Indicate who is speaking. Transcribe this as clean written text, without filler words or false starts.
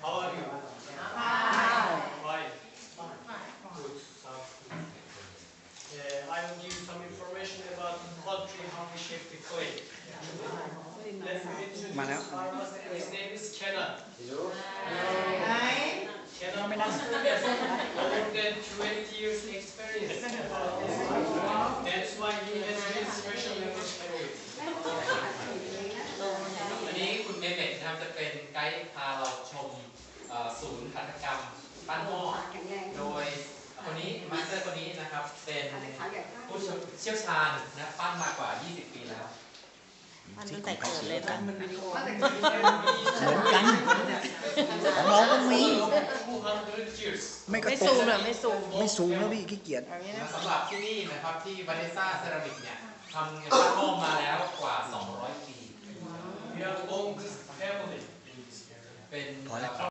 Speaker 1: How are you? Fine. Good. Sounds good. I will give you some information about the country, how we shape the clay. Let me introduce our master. His name is Kenan. Kenan Master has more than 20 years experience. That's why he has very special responsibility.
Speaker 2: วันนี้คุณเมเมกนะครับจะเป็นไกด์พาเราชมศูนย์หัตถกรรมปั้นหม้อโดยคนนี้มาสเตอร์คนนี้นะครับเป็นผู้เชี่ยวชาญนะปั้นมากว่า 20 ปีแล้ว
Speaker 3: มันตั้งแต่เกิดเลยนะ
Speaker 4: เหมือนกันของเราก็มี
Speaker 1: 200 years.
Speaker 4: ไม่กระ
Speaker 3: ไม่
Speaker 4: ตุ
Speaker 3: ซู
Speaker 4: ก
Speaker 3: มหรอไม่ซูม
Speaker 4: ไม่สูงแล้วพี่ขี้เกียจ
Speaker 3: แบบนี้นะ
Speaker 2: สำหรับที่นี่นะครับที่วาเนซ่าเซรามิกเนี่ยทำปั้นหม้อมาแล้วกว่า 200 ปี
Speaker 1: We are the longest family in this area.
Speaker 2: เป็น